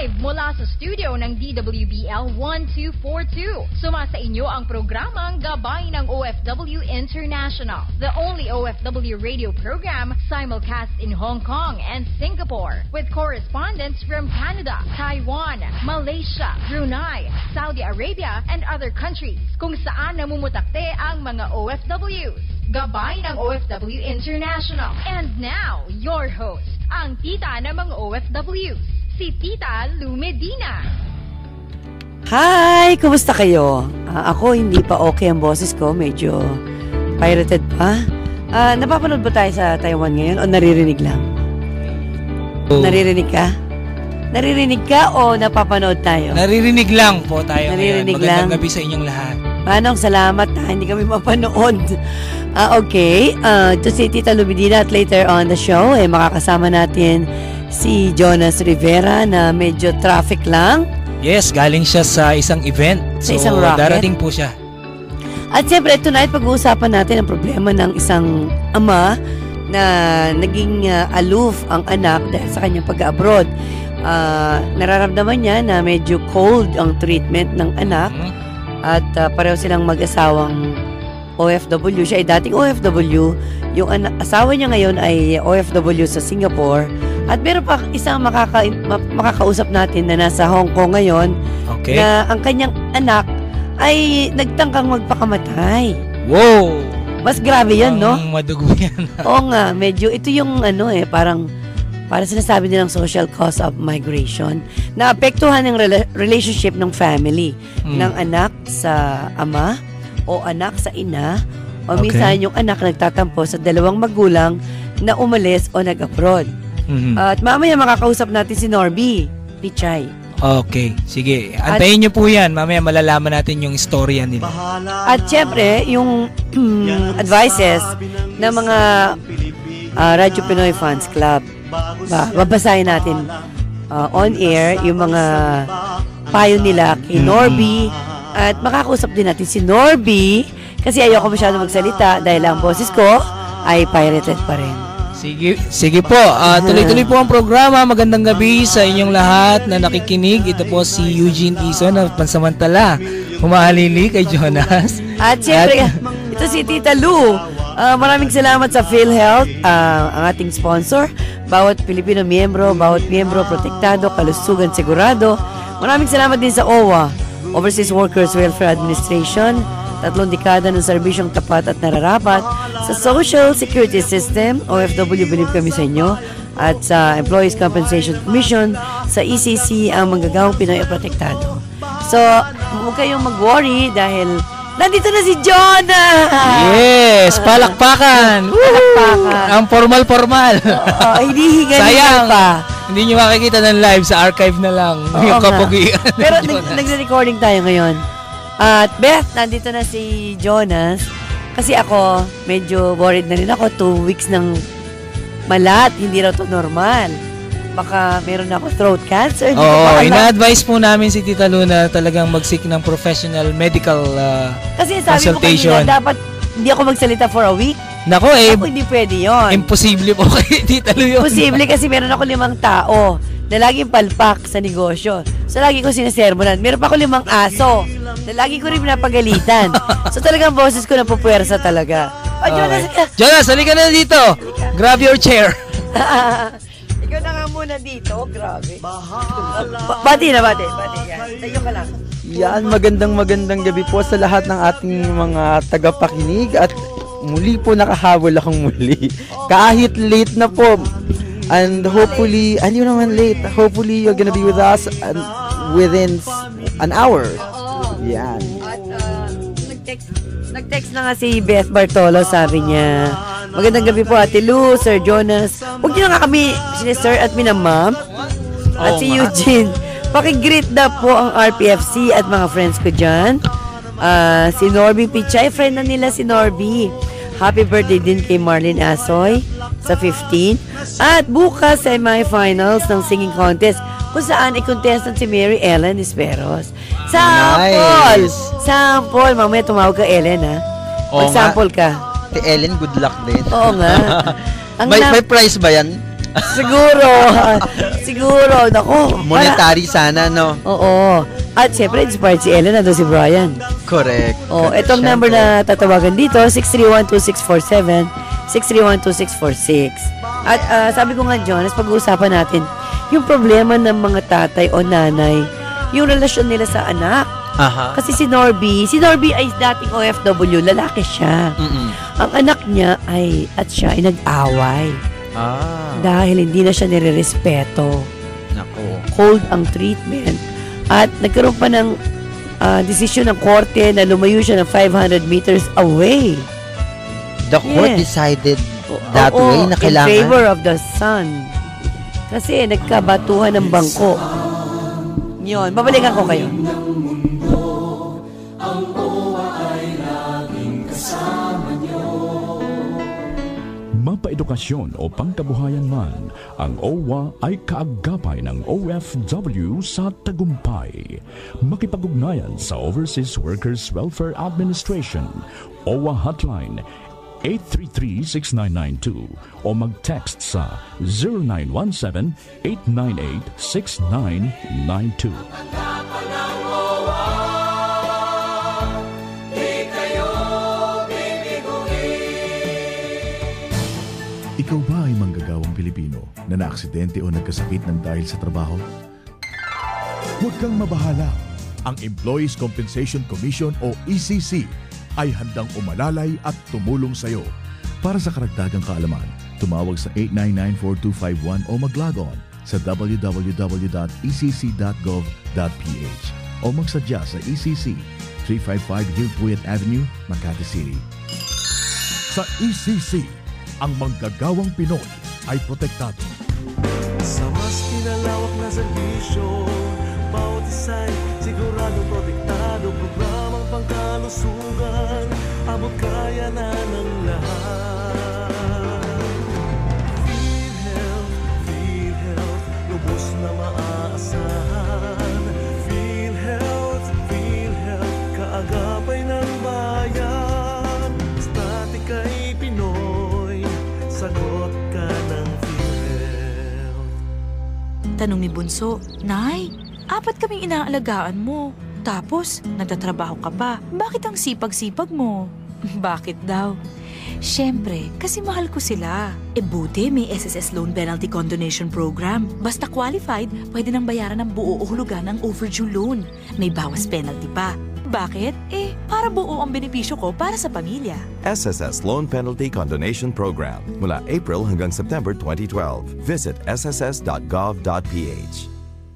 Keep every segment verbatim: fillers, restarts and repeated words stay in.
Live mula sa studio ng D W B L one two four two. Sumasa inyo ang programang Gabay ng O F W International, the only O F W radio program simulcast in Hong Kong and Singapore, with correspondents from Canada, Taiwan, Malaysia, Brunei, Saudi Arabia, and other countries kung saan namumutakte ang mga O F Ws. Gabay ng O F W International. And now, your host, ang tita ng mga O F Ws, si Tita Lou Medina. Hi! Kumusta kayo? Uh, ako, hindi pa okay ang boses ko. Medyo pirated pa. Uh, napapanood ba tayo sa Taiwan ngayon o naririnig lang? Oh. Naririnig ka? Naririnig ka o napapanood tayo? Naririnig lang po tayo naririnig ngayon. Magandang lang. gabi sa inyong lahat. Manong, salamat ha. Hindi kami mapanood. Uh, okay. Uh, ito si Tita Lou Medina at later on the show, eh, makakasama natin si Jonas Rivera na medyo traffic lang. Yes, galing siya sa isang event. Sa so, isang rocket. Darating po siya. At siyempre, tonight pag-uusapan natin ang problema ng isang ama na naging uh, aloof ang anak dahil sa kanyang pag-abroad. Uh, nararamdaman niya na medyo cold ang treatment ng anak hmm? at uh, pareho silang mag-asawang O F W. Siya ay dating O F W. Yung ana- asawa niya ngayon ay O F W sa Singapore. At meron pa isang makaka- makakausap natin na nasa Hong Kong ngayon okay. na ang kanyang anak ay nagtangkang magpakamatay. Wow! Mas grabe yan, no? Ang madugo yan. Oo nga, medyo ito yung ano eh, parang para sinasabi nilang social cause of migration na apektuhan ng rela- relationship ng family hmm. ng anak sa ama o anak sa ina o okay. minsan yung anak nagtatampo sa dalawang magulang na umalis o nag-abroad. Mm-hmm. Uh, at mamaya makakausap natin si Norby Pichay. Okay, sige. Antayin niyo po yan. Mamaya malalaman natin yung istorya nila. At syempre, yung advices ng mga uh, Radyo Pinoy Fans Club. Ba, babasahin natin uh, on air yung mga payo nila kay Norby. At makakausap din natin si Norby kasi ayoko masyado magsalita dahil ang boses ko ay pirated pa rin. Sige, sige po. Uh, tuloy-tuloy po ang programa. Magandang gabi sa inyong lahat na nakikinig. Ito po si Eugene Ison na pansamantala humahalili kay Jonas. At siyempre, At, ito si Tita Lou. Uh, maraming salamat sa PhilHealth, uh, ang ating sponsor. Bawat Pilipino miyembro, bawat miyembro protektado, kalusugan sigurado. Maraming salamat din sa O W A, Overseas Workers Welfare Administration. Tatlong dekada ng serbisyong tapat at nararapat sa Social Security System. O F W, believe kami sa inyo. At sa Employees Compensation Commission, sa E C C, ang manggagawang Pinoy protektado. So, huwag kayong mag-worry dahil nandito na si Jonah! Yes! Palakpakan! Palakpakan! Ang formal-formal! Oo, hinihinga sayang pa. Hindi nyo makikita ng live, sa archive na lang. Oo, yung kapugian. Pero nag- nagre-recording tayo ngayon. At Beth, nandito na si Jonas. Kasi ako, medyo worried na rin ako. Two weeks ng malat. Hindi raw to normal. Baka meron ako throat cancer. Oo, oh, ina-advise po namin si Tita Luna talagang mag-seek ng professional medical uh, kasi sabi consultation. Kasi sabi mo kanina, dapat hindi ako magsalita for a week. Nako eh. Ako, hindi pwede yun. Imposible po kay Tita Lu yun. Imposible kasi meron ako limang tao na laging palpak sa negosyo. So, lagi ko sinasermonan. Meron pa ako limang aso na lagi ko rin pinapagalitan. So, talagang boses ko napupuwersa talaga. Oh, Jonas, okay. Jonas, halika na dito. Halika. Grab your chair. Ikaw na nga muna dito. Grabe. Ba- bati na, bati. Bati. Yan. Tayo ka lang. Yan, magandang magandang gabi po sa lahat ng ating mga tagapakinig at muli po nakahabol akong muli. Kahit late na po. And hopefully, hindi naman late. Hopefully, you're gonna be with us and within an hour. Yan. At uh, nag-text, nag-text na nga si Beth Bartolo, sabi niya, magandang gabi po Ate Lou, Sir Jonas. Huwag niyo na nga kami, sir at minamam. At oh, si Eugene, pakigreet na po ang R P F C at mga friends ko dyan. Uh, si Norby Pichay, friend na nila si Norby. Happy birthday din kay Marlene Asoy sa fifteen. At bukas semi-finals ng singing contest kung saan i-contestant si Mary Ellen Esperos. Sample! Nice. Sample! Mamaya tumawag ka, Ellen, ha? Mag-sample ka. Si Ellen, good luck din. Oo nga. Ang may, na- may prize ba yan? Siguro. Siguro. Nako. Monetary sana, no? Oo. At siyempre, inspired si Ellen, nandun si Brian. Correct. Oh, Correct. itong Siyempre. number na tatawagan dito, six three one two six four seven, six three one two six four six. At uh, sabi ko nga, Jonas, pag-uusapan natin yung problema ng mga tatay o nanay, yung relasyon nila sa anak. Aha. Kasi si Norby, si Norby ay dating O F W, lalaki siya. Mm-mm. Ang anak niya ay, at siya ay nag-away. Ah. Dahil hindi na siya nire-respeto. Nako. Cold ang treatment. At nagkaroon pa ng uh, desisyon ng korte na lumayo siya ng five hundred meters away. The court Yes. decided that Oo, way na kailangan. in favor of the son. Kasi nagkabatuhan ng bangko. Yun, babalikan ko kayo. Mapaedukasyon o pangkabuhayan man, ang O W A ay kaagapay ng O F W sa tagumpay. Makipag-ugnayan sa Overseas Workers Welfare Administration, O W A Hotline eight three three, six nine nine two o mag-text sa zero nine one seven, eight nine eight, six nine nine two. Ikaw ba ay manggagawang Pilipino na naaksidente o nagkasakit ng dahil sa trabaho? Huwag kang mabahala. Ang Employees Compensation Commission o E C C ay handang umalalay at tumulong sa iyo. Para sa karagdagang kaalaman, tumawag sa eight nine nine, four two five one o mag-log on sa w w w dot e c c dot gov dot p h o magsadya sa E C C, three fifty-five Hillpuyat Avenue, Makati City. Sa E C C, ang manggagawang Pinoy ay protektado. Sa mas pinalawak na serbisyo, bawat isa'y siguradong protektado. Programang pangkalusugan, abot kaya na ng lahat. PhilHealth, PhilHealth, lubos na maaasahan. PhilHealth, PhilHealth, kaagapay ng bayan. Basta ika'y Pinoy, sagot ka ng PhilHealth. Tanong ni Bunso, Nay, apat kaming inaalagaan mo. Tapos, nagtatrabaho ka pa. Bakit ang sipag-sipag mo? Bakit daw? Siyempre, kasi mahal ko sila. E buti may S S S Loan Penalty Condonation Program. Basta qualified, pwede nang bayaran ng buo o hulugan ng overdue loan. May bawas penalty pa. Bakit? Eh, para buo ang benepisyo ko para sa pamilya. S S S Loan Penalty Condonation Program mula April hanggang September twenty twelve. Visit s s s dot gov dot p h.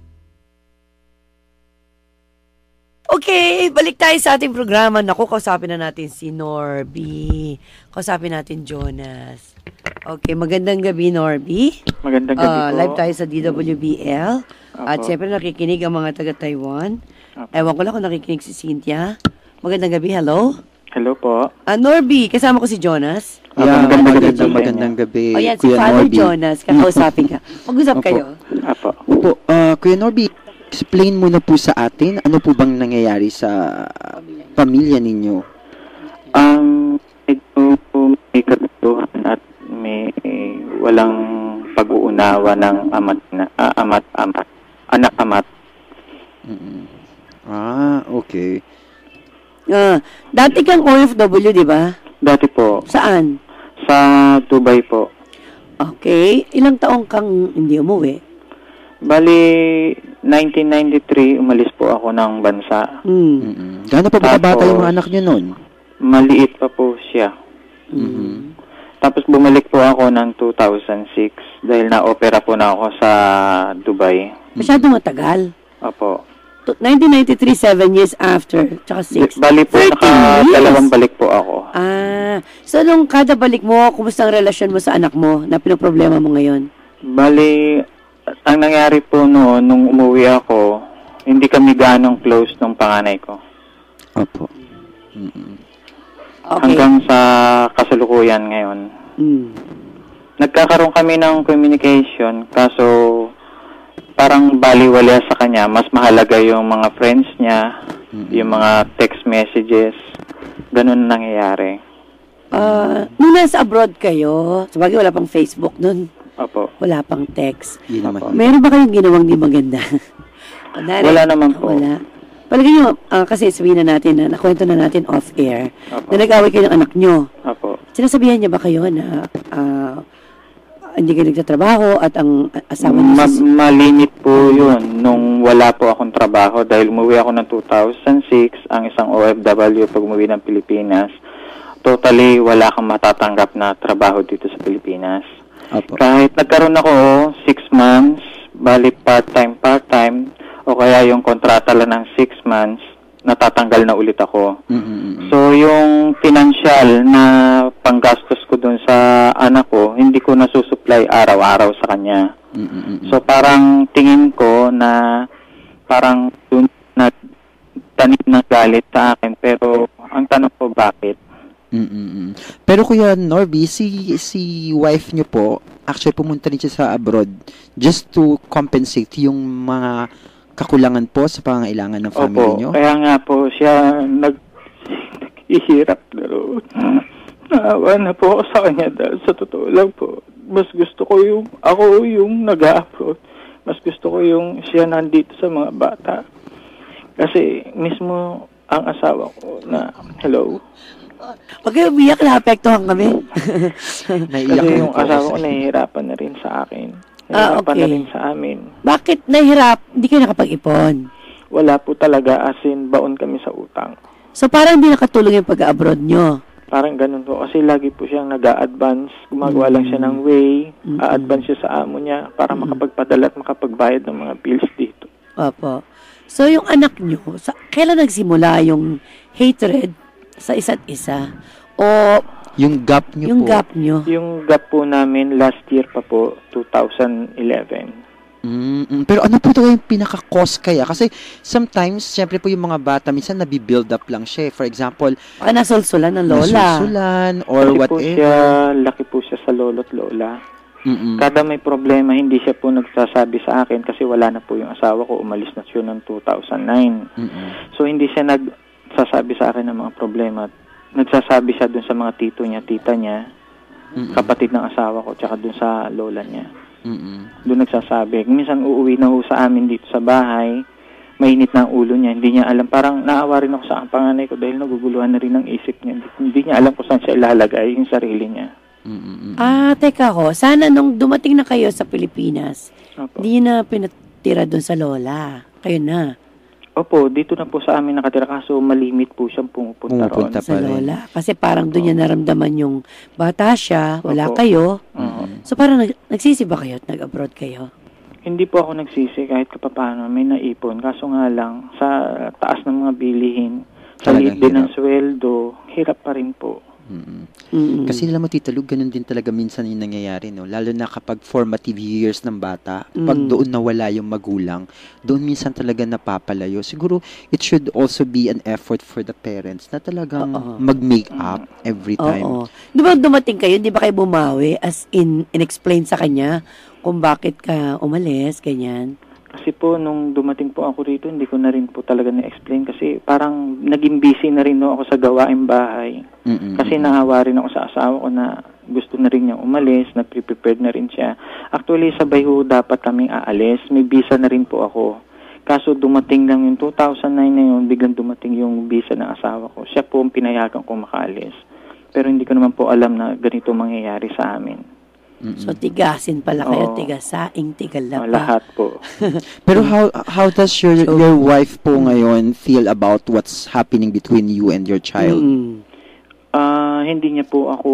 Okay, balik tayo sa ating programa. Naku, kausapin na natin si Norby. Kausapin natin Jonas. Okay, magandang gabi, Norby. Magandang gabi Ah, po. live tayo sa D W B L. At Apo. siyempre nakikinig ang mga taga-Taiwan. Apo. Ewan ko lang kung nakikinig si Cynthia. Magandang gabi, hello? Hello po. Ah, Norby, kasama ko si Jonas. Yeah, magandang gabi magandang, po sa magandang gabi, O yan, si Kuya Father Norby. Jonas. Kakausapin ka. Mag-usap Opo. kayo. Apo. Opo, ah, Kuya Norby, explain mo na po sa atin, ano po bang nangyayari sa pamilya ninyo? Um, ito po may katutuhan at may walang pag-uunawa ng amat na ah, amat amat anak amat. Mm-mm. Ah, okay. Ah, dati kang O F W, di ba? Dati po Saan? sa Dubai po. Okay. Ilang taong kang hindi umuwi? Bali nineteen ninety-three umalis po ako ng bansa. Hmm. Mm-mm. Gaano pa ba bata Tapos- yung mga anak nyo nun? Maliit pa po siya. Mhm. Tapos bumalik po ako ng two thousand six dahil na-opera po na ako sa Dubai. Masyadong matagal. Opo. To- nineteen ninety-three, seven years after. Tsaka six. Bali po, thirteen naka years. dalawang balik po ako. Ah. So, nung kada balik mo, kumusta ang relasyon mo sa anak mo na pinoproblema mo ngayon? Bali, ang nangyari po noon, nung umuwi ako, hindi kami ganong close nung panganay ko. Opo. Mm-mm. Okay. Hanggang sa kasalukuyan ngayon. Hmm. Nagkakaroon kami ng communication, kaso parang baliwala sa kanya. Mas mahalaga yung mga friends niya, Mm-mm. yung mga text messages. Ganun nangyayari. Ah, nung nasa abroad kayo, sabagay wala pang Facebook nun. Opo. Wala pang text. Yun naman. Opo. Meron ba kayong ginawang di maganda? Kunwari, Wala naman po. Wala. Palagay nyo, ah, kasi sabihin na natin na, nakwento na natin off-air, Opo. na nag-away kayo ng anak nyo. Opo. Sinasabihan niya ba kayo na ah, hindi kayo nagtatrabaho at ang asawa niyo Ma- sa... malimit po yun nung wala po akong trabaho dahil umuwi ako ng two thousand six, ang isang O F W pag umuwi ng Pilipinas. Totally wala kang matatanggap na trabaho dito sa Pilipinas. Opo. Kahit nagkaroon ako six months, bali part-time, part-time, o kaya yung kontrata lang ng six months, natatanggal na ulit ako. Mm-mm. So, yung financial na panggastos ko dun sa anak ko, hindi ko nasusupply araw-araw sa kanya. Mm-mm. So, parang tingin ko na parang dun na tanim ng galit sa akin. Pero, ang tanong ko, bakit? Mm-mm. Pero Kuya Norby, si si wife niyo po, actually pumunta rin siya sa abroad just to compensate yung mga kakulangan po sa pangangailangan ng family Opo, niyo? kaya nga po siya nag ihirap na roon. Naawa na po ako sa kanya dahil sa totoo lang po. Mas gusto ko yung ako yung nag-a-abroad. Mas gusto ko yung siya nandito sa mga bata. Kasi mismo ang asawa ko na, hello? Huwag kayo umiyak, naapektuhan kami. Naiiyak Kasi na yung po asawa ko kasi. nahihirapan na rin sa akin. Ah, Nahihirapan okay. na rin sa amin. Bakit nahihirap? Hindi kayo nakapag-ipon. Wala po talaga, as in, baon kami sa utang. So parang hindi nakatulong yung pag-abroad nyo. Parang ganun po. Kasi lagi po siyang nag-a-advance. Gumagawa lang siya ng way. Mm-mm. A-advance siya sa amo niya para makapagpadala at makapagbayad ng mga bills dito. Opo. So yung anak nyo, sa, kailan nagsimula yung hatred sa isa't isa? O Yung gap niyo yung po. gap nyo? Yung gap po namin last year pa po, two thousand eleven. Mm-mm. Pero ano po talaga yung pinaka-cause kaya? Kasi sometimes, syempre po yung mga bata, minsan nabibuild up lang siya. For example, Baka nasulsulan ng lola. nasusulan or Kasi po whatever. siya, laki po siya sa lolo't lola. Mm-mm. Kada may problema, hindi siya po nagsasabi sa akin kasi wala na po yung asawa ko. Umalis na siya noong two thousand nine. Mm-mm. So, hindi siya nagsasabi sa akin ng mga problema. Nagsasabi siya dun sa mga tito niya, tita niya, Mm-mm. kapatid ng asawa ko, tsaka dun sa lola niya. Mm-mm. Doon nagsasabi. Minsan uuwi na ho sa amin dito sa bahay, mainit na ang ulo niya, hindi niya alam. Parang naawa rin ako sa panganay ko dahil naguguluhan na rin ang isip niya. Hindi, hindi niya alam kung saan siya ilalagay yung sarili niya. Mm-mm. Ah, teka ko. Sana nung dumating na kayo sa Pilipinas, Opo. hindi na pinatira doon sa lola. Kayo na. Opo, dito na po sa amin nakatira kaso malimit po siyang pumupunta, Pumupunta roon. Sa pa rin. lola. Kasi parang doon niya naramdaman yung bata siya, wala Opo. kayo. Oo. So parang nag- nagsisi ba kayo at nag-abroad kayo? Hindi po ako nagsisi kahit kapapano may naipon. Kaso nga lang, sa taas ng mga bilihin, sa Talagang liit din ng hirap. sweldo, hirap pa rin po. Mm-mm. Mm-mm. Kasi alam mo, Tita Lug, ganun din talaga minsan yung nangyayari, no? Lalo na kapag formative years ng bata, pag Mm. doon nawala yung magulang, doon minsan talaga napapalayo. Siguro, it should also be an effort for the parents na talagang Oo. mag-make up every time. Oo. Di ba dumating kayo, di ba kayo bumawi as in, in-explain sa kanya kung bakit ka umalis, ganyan? Kasi po, nung dumating po ako rito, hindi ko na rin po talaga na-explain kasi parang naging busy na rin no, ako sa gawaing bahay. Mm-mm. Kasi naawa rin ako sa asawa ko na gusto na rin niya umalis, nag-prepared na rin siya. Actually, sabay ho dapat kaming aalis. May visa na rin po ako. Kaso dumating lang yung two thousand nine na yun, biglang dumating yung visa ng asawa ko. Siya po ang pinayagan ko makaalis. Pero hindi ko naman po alam na ganito mangyayari sa amin. Mm-mm. So tigasin pala kayo, Oo. tigasaing, tigalapa. Oh, lahat po. Pero how how does your your wife po ngayon feel about what's happening between you and your child? Mm. Ah, hindi niya po ako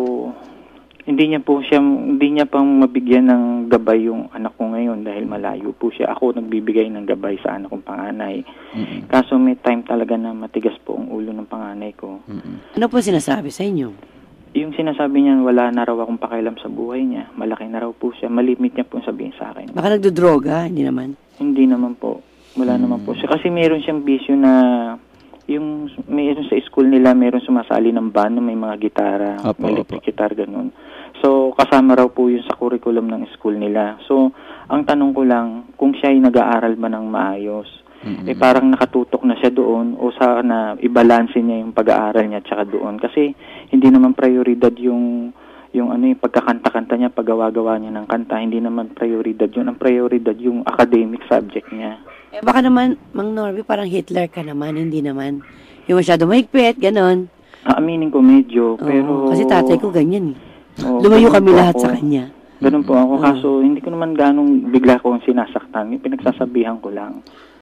hindi niya po siya hindi niya pang mabigyan ng gabay yung anak ko ngayon dahil malayo po siya. Ako nagbibigay ng gabay sa anak kong panganay. Mm-mm. Kaso may time talaga na matigas po ang ulo ng panganay ko. Mm-mm. Ano po sinasabi sa inyo? Yung sinasabi niya wala na raw akong pakialam sa buhay niya. Malaki na raw po siya. Malimit niya po sabihin sa akin. Baka nagdodroga, hindi naman. Hindi naman po. Wala Mm. naman po siya. Kasi meron siyang bisyo na yung meron sa school nila, meron sumasali ng band na may mga gitara, Opo, may electric guitar, ganun. So, kasama raw po yun sa curriculum ng school nila. So, ang tanong ko lang, kung siya ay nag-aaral ba ng maayos, Mm-mm. eh parang nakatutok na siya doon o sana ibalanse niya yung pag-aaral niya tsaka doon. Kasi hindi naman prioridad yung yung ano yung pagkakanta-kanta niya, paggawa-gawa niya ng kanta, hindi naman prioridad yun. Ang prioridad yung academic subject niya. Eh, baka naman, Mang Norby, parang Hitler ka naman, hindi naman. Yung masyado mahigpit, ganon. Aaminin ko medyo, Oo, pero... kasi tatay ko ganyan eh. Oo, Lumayo ganun kami po lahat ako. sa kanya. Ganun po ako, Oo. kaso hindi ko naman ganong bigla kong sinasaktan. Yung pinagsasabihan ko lang.